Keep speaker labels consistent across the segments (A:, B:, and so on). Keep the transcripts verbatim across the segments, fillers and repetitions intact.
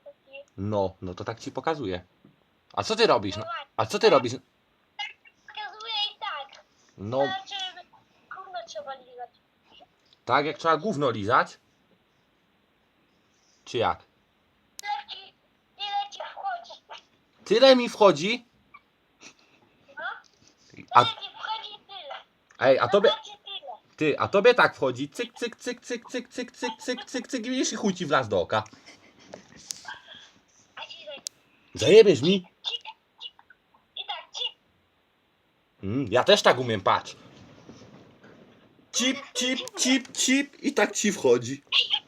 A: taki.
B: No, no to tak ci pokazuję. A co ty robisz?
A: No
B: No,
A: właśnie.
B: a co ty robisz?
A: Pokazuję i tak.
B: No,
A: Znaczy, gówno trzeba lizać.
B: tak jak trzeba gówno lizać? Czy jak?
A: Leci, ile ci wchodzi?
B: Tyle mi wchodzi?
A: No,
B: A,
A: tyle ci wchodzi tyle.
B: ej, a tobie...
A: Znaczy tyle.
B: Ty, a tobie tak wchodzi, cyk, cyk, cyk, cyk, cyk, cyk, cyk, cyk, cyk, cyk, i widzisz i chuj ci wlazł do oka.
A: A ci tak,
B: Zajebiesz mi?
A: cik, cik. I tak, cik.
B: Mm, ja też tak umiem, patrz. Cip, cip, cip, cip i tak ci wchodzi.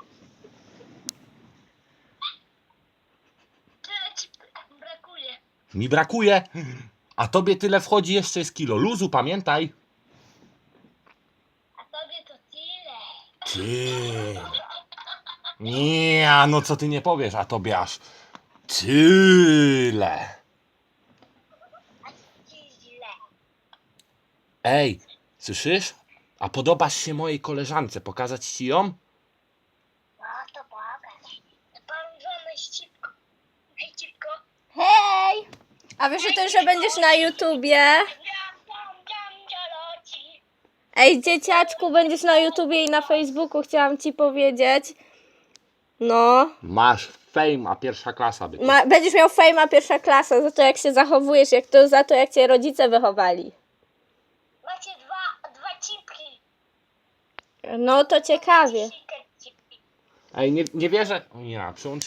A: Tyle ci brakuje.
B: Mi brakuje, a tobie tyle wchodzi, jeszcze jest kilo luzu, pamiętaj.
A: A tobie to tyle.
B: Ty. Nie, no co ty nie powiesz, a tobie aż tyle.
A: A ci źle.
B: Ej, słyszysz? A podobasz się mojej koleżance, pokazać ci ją?
A: No to pokaż. Parużone ścipko. Hej, cipko.
C: Hej! A wiesz o tym, że będziesz na YouTubie?
A: Jam, jam, jam, dzialoci.
C: Ej, dzieciaczku, będziesz na YouTubie i na Facebooku, chciałam ci powiedzieć. No.
B: Masz fame, a pierwsza klasa by.
C: Ma, będziesz miał fejma pierwsza klasa za to, jak się zachowujesz, jak to, za to, jak cię rodzice wychowali.
A: Macie dwa, dwa cipki.
C: No to ciekawie.
A: Sikać cipki.
B: Ej, nie, nie wierzę. O ja, przyłącz